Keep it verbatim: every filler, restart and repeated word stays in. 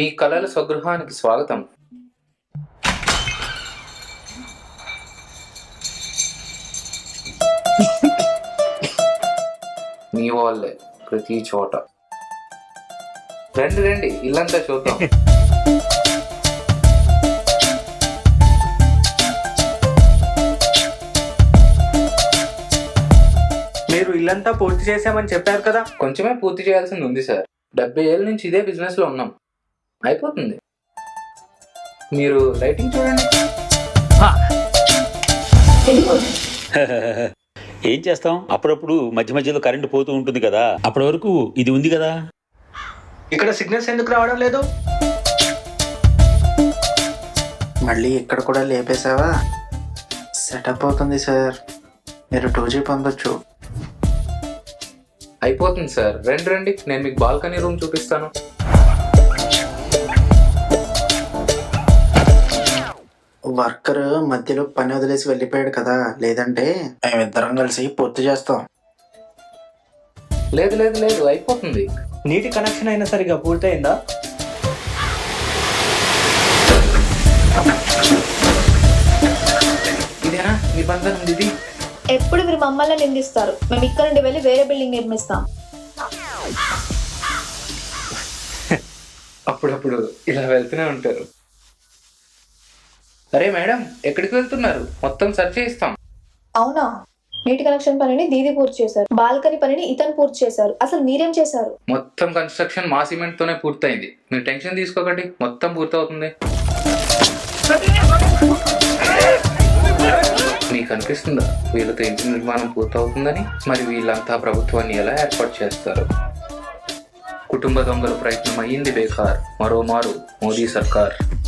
మీ కళల స్వగృహానికి స్వాగతం. మీ వాళ్ళే ప్రతి చోట. రండి రండి, ఇల్లంతా చూద్దాం. మీరు ఇల్లంతా పూర్తి చేశామని చెప్పారు కదా. కొంచెమే పూర్తి చేయాల్సింది ఉంది సార్. డెబ్బై ఏళ్ళ నుంచి ఇదే బిజినెస్ లో ఉన్నాం. అయిపోతుంది. మీరు లైటింగ్ చూడండి. ఏం చేస్తాం, అప్పుడప్పుడు మధ్య మధ్యలో కరెంటు పోతూ ఉంటుంది కదా, అప్పటి వరకు ఇది ఉంది కదా. ఇక్కడ సిగ్నల్స్ ఎందుకు రావడం లేదు? మళ్ళీ ఇక్కడ కూడా లేపేశావా? సెటప్ అవుతుంది సార్, మీరు టూ జీ పొందొచ్చు. అయిపోతుంది సార్. రండి రండి, నేను మీకు బాల్కనీ రూమ్ చూపిస్తాను. వర్కర్ మధ్యలో పని వదిలేసి వెళ్ళిపోయాడు కదా, లేదంటే మేమిద్దరం కలిసి పూర్తి చేస్తాం. లేదు లేదు లేదు, అయిపోతుంది. నీటి కనెక్షన్ అయినా సరిగా పూర్తయిందా? ఇదేనా నిబంధన ఉంది? ఇది ఎప్పుడు మీరు మమ్మల్ని నిందిస్తారు. మేము ఇక్కడ నుండి వెళ్ళి వేరే బిల్డింగ్ నిర్మిస్తాం. అప్పుడప్పుడు ఇలా వెళ్తూనే ఉంటారు. అరే మేడం, ఎక్కడికి వెళ్తున్నారు? మొత్తం సర్చ్ చేయిస్తాం. అవునా? నీటి కనెక్షన్ పనిని దీది పూర్తి చేశారు, బాల్కనీ పనిని ఇతను పూర్తి చేశారు. అసలు మీరేం చేశారు? మొత్తం కన్స్ట్రక్షన్ మా సిమెంట్ తోనే పూర్తయింది. మీరు టెన్షన్ తీసుకోకండి, మొత్తం పూర్తవుతుంది. మీకు అనిపిస్తుందా వీళ్ళతో ఇంటి నిర్మాణం పూర్తవుతుందని? మరి వీళ్ళంతా ప్రభుత్వాన్ని ఎలా ఏర్పాటు చేస్తారు? కుటుంబ దొంగల ప్రయత్నం అయ్యింది బేకార్. మరోమారు మోదీ సర్కార్